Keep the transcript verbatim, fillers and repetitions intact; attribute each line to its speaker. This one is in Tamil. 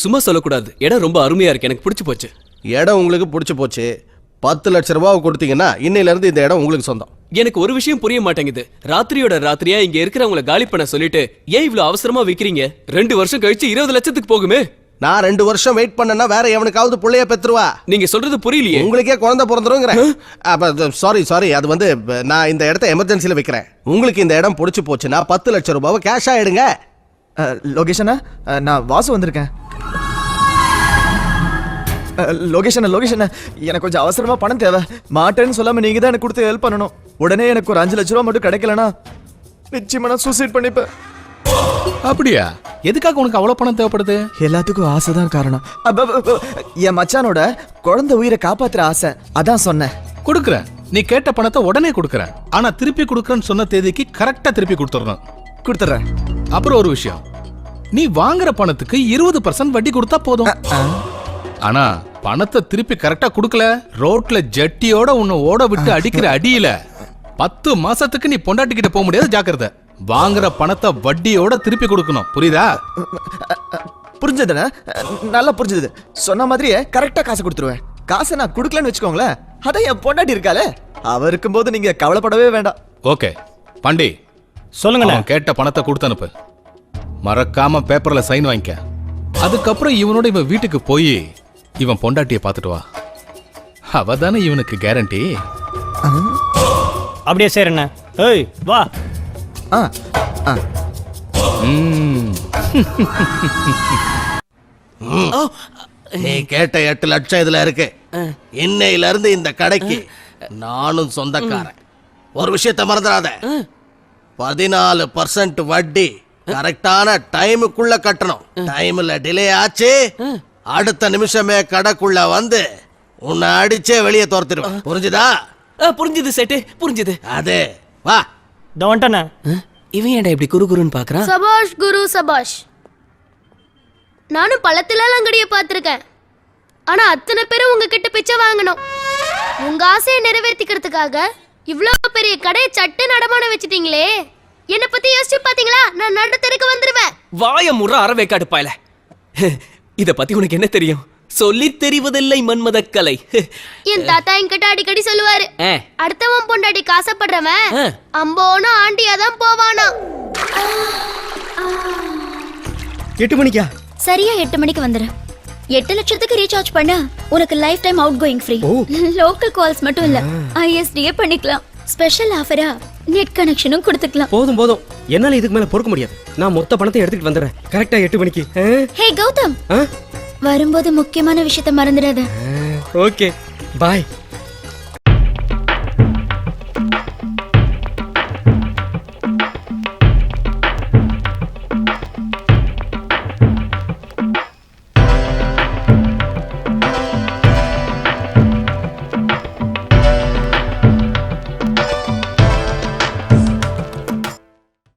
Speaker 1: சும்மா சொல்லக்கூடாது. இடம் ரொம்ப அருமையா இருக்கு, எனக்கு பிடிச்சு போச்சு.
Speaker 2: இடம் உங்களுக்கு பிடிச்சு போச்சு. பத்து லட்சம் ரூபாய் கொடுத்தீங்கன்னா இன்னையில இருந்து இந்த இடம் உங்களுக்கு சொந்தம்.
Speaker 1: எனக்கு ஒரு விஷயம் புரிய மாட்டேங்குது. ராத்திரியோட ராத்திரியா இங்க இருக்கிறவங்கள காலி பண்ண சொல்லிட்டு ஏன் இவ்வளவு அவசரமா விக்கிறீங்க? ரெண்டு வருஷம் கழிச்சு இருபது லட்சத்துக்கு போகுமே.
Speaker 2: நான் ரெண்டு வருஷம் வெயிட் பண்ணனா வேற எவனுக்காவது புள்ளைய பெத்துருவா.
Speaker 1: நீங்க சொல்றது புரியலையே.
Speaker 2: உங்களுக்கே குழந்தை பிறந்துருங்கிற. சாரி சாரி அது வந்து நான் இந்த இடத்த எமர்ஜென்சில விக்கிறேன். உங்களுக்கு இந்த இடம் பிடிச்சு போச்சுன்னா பத்து லட்சம் ரூபாவை கேஷ் ஆயிடுங்க.
Speaker 3: லொகேஷனா? நான் வாசு வந்திருக்கேன். லொகேஷன் லொகேஷன் எனக்கு கொஞ்சம் அவசரமா பணம் தேவை. மாட்டேன்னு சொல்லாம நீங்க தான் எனக்கு கொடுத்து ஹெல்ப் பண்ணணும். உடனே எனக்கு ஒரு அஞ்சு லட்ச ரூபா மட்டும் கிடைக்கலனா நிச்சயமா நான் சூசைட் பண்ணிப்பேன்.
Speaker 4: அப்படியா? எதுக்காக உனக்கு அவ்வளவு பணம் தேவைப்படுது?
Speaker 3: எல்லாத்துக்கும் ஆசைதான் காரணம். என் மச்சானோட குழந்தை உயிரை காப்பாத்துற ஆசை, அதான் சொன்னேன்.
Speaker 4: கொடுக்குறேன். நீ கேட்ட பணத்தை உடனே கொடுக்குறேன். ஆனா திருப்பி கொடுக்குறேன்னு சொன்ன தேதிக்கு கரெக்டா திருப்பி கொடுத்துடணும்.
Speaker 3: கொடுத்துறேன்.
Speaker 4: அப்புறம் ஒரு விஷயம், நீ வாங்குற பணத்துக்கு இருபது பர்சன்ட் வட்டி கொடுத்தா போதும். ஆனா பணத்தை திருப்பி கரெக்டா கொடுக்கல, ரோட்ல ஜட்டியோட உன்னை ஓட விட்டு அடிக்கிற அடியில பத்து மாசத்துக்கு நீ பொண்டாட்டிக்கிட்ட போக முடியாது. ஜாக்கிரதை. வாங்குற பணத்தை வட்டியோட திருப்பி கொடுக்கணும். புரியுதா?
Speaker 3: புரிஞ்சதுண்ணா, நல்லா புரிஞ்சது. சொன்ன மாதிரியே கரெக்டா காசு கொடுத்துருவேன். காசை நான் கொடுக்கலன்னு வச்சுக்கோங்களேன், அதான் என் பொண்டாட்டி இருக்காளே, அவ இருக்கும்போது நீங்க கவலைப்படவே வேண்டாம்.
Speaker 4: ஓகே பாண்டி, சொல்லுங்க. கேட்ட பணத்தை கொடுத்து அனுப்பு. மறக்காம பேப்பர்ல சைன் வாங்கிக்க. அதுக்கப்புறம் இவனோட இவன் வீட்டுக்கு போய் இவன் பொண்டாட்டியை பார்த்துட்டு வா. அவ தானே இவனுக்கு கேரண்டி.
Speaker 5: அப்படியே சரிண்ணா. ஏய் வா.
Speaker 3: ஆ ஆ
Speaker 2: நீ கேட்ட எட்டு லட்சம் இதுல இருக்கு. இன்னையில இருந்து இந்த கடைக்கு நானும் சொந்தக்காரன். ஒரு விஷயத்தை மறந்துடாத, பதினாலு பர்சன்ட் வட்டி கரெக்டான டைமுக்குள்ள கட்டணும். டைம்ல டிலே ஆச்சு, அடுத்த நிமிஷமே கடைக்குள்ள வந்து உன்னை அடிச்சே வெளியே துரத்திடுவேன். புரிஞ்சுதா?
Speaker 1: புரிஞ்சுது சேட்டு, புரிஞ்சுது.
Speaker 2: அது வா.
Speaker 5: இதோ வந்துட்டேண்ணா.
Speaker 1: இவன் ஏன்டா இப்படி குரு குருன்னு பாக்குறான்?
Speaker 6: சபாஷ் குரு சபாஷ். நானும் பழத்துல அங்கடிய பார்த்திருக்கேன். ஆனா அத்தனை பேரும் உங்ககிட்ட பிச்சை வாங்கணும். உங்க ஆசையை நிறைவேற்றிக்கிறதுக்காக இவ்வளவு பெரிய கடையை சட்டு நடமான வச்சிட்டீங்களே. என்ன பத்தி யோசிச்சு பாத்தீங்களா? நான் நடு தெருக்கு வந்துருவேன்.
Speaker 1: வாய முற அறவேக்காடு பாயல. இத பத்தி உனக்கு என்ன தெரியும்? சொல்லி தெரிவதில்லை மன்மத கலை.
Speaker 6: என் தாத்தா என்கிட்ட அடிக்கடி சொல்லுவாரு, அடுத்தவன் பொண்டாட்டி காசப்படுறவன் அம்போனா ஆண்டியா தான் போவானா.
Speaker 5: எட்டு மணிக்கா?
Speaker 7: சரியா எட்டு மணிக்கு வந்துரு. எட்டு லட்சத்துக்கு ரீசார்ஜ் பண்ண உனக்கு life time outgoing free. Local calls மட்டும் இல்ல, ஐஎஸ்டியே பண்ணிக்கலாம். ஸ்பெஷல் ஆஃபரா நெட் கனெக்ஷனும் கொடுத்துக்கலாம்.
Speaker 5: போதும் போதும், என்னால இதுக்கு மேல பொறுக்க முடியாது. நான் மொத்த பணத்தை எடுத்துட்டு வந்துடுறேன் கரெக்டா எட்டு மணிக்கு.
Speaker 7: ஹே கௌதம், வரும்போது முக்கியமான விஷயத்தை மறந்துடாத.
Speaker 5: ஓகே பாய்.